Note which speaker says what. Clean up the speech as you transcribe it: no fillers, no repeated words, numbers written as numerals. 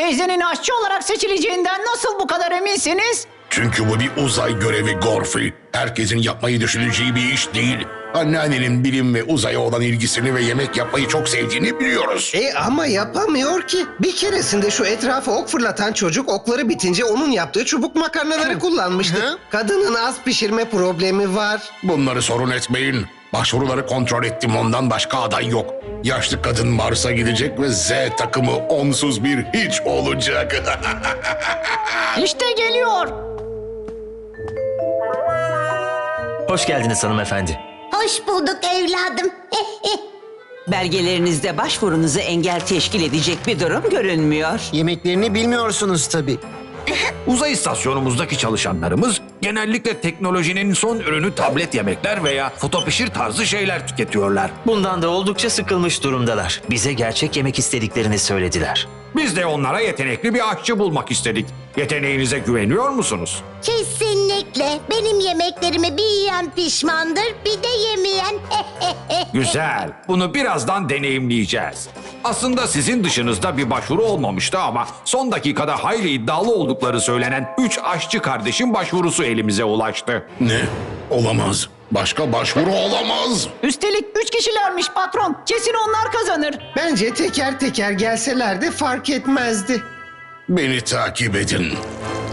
Speaker 1: Teyzenin aşçı olarak seçileceğinden nasıl bu kadar eminsiniz?
Speaker 2: Çünkü bu bir uzay görevi Gorfi. Herkesin yapmayı düşüneceği bir iş değil. Anneannenin bilim ve uzaya olan ilgisini ve yemek yapmayı çok sevdiğini biliyoruz.
Speaker 3: Ama yapamıyor ki. Bir keresinde şu etrafa ok fırlatan çocuk okları bitince onun yaptığı çubuk makarnaları kullanmıştı. Kadının az pişirme problemi var.
Speaker 2: Bunları sorun etmeyin. Başvuruları kontrol ettim, ondan başka aday yok. Yaşlı kadın Mars'a gidecek ve Z takımı onsuz bir hiç olacak.
Speaker 1: İşte geliyor.
Speaker 4: Hoş geldiniz hanımefendi.
Speaker 5: Hoş bulduk evladım.
Speaker 6: Belgelerinizde başvurunuzu engel teşkil edecek bir durum görünmüyor.
Speaker 7: Yemeklerini bilmiyorsunuz tabii.
Speaker 8: Uzay istasyonumuzdaki çalışanlarımız genellikle teknolojinin son ürünü tablet yemekler veya fotopişir tarzı şeyler tüketiyorlar.
Speaker 4: Bundan da oldukça sıkılmış durumdalar. Bize gerçek yemek istediklerini söylediler.
Speaker 8: Biz de onlara yetenekli bir aşçı bulmak istedik. Yeteneğinize güveniyor musunuz?
Speaker 5: Kesinlikle. Benim yemeklerimi bir yiyen pişmandır, bir de yemeyen.
Speaker 8: Güzel. Bunu birazdan deneyimleyeceğiz. Aslında sizin dışınızda bir başvuru olmamıştı ama son dakikada hayli iddialı oldukları söylenen 3 aşçı kardeşin başvurusu elimize ulaştı.
Speaker 2: Ne? Olamaz. Başka başvuru olamaz.
Speaker 1: Üstelik 3 kişilermiş patron. Kesin onlar kazanır.
Speaker 3: Bence teker teker gelseler de fark etmezdi.
Speaker 2: Beni takip edin.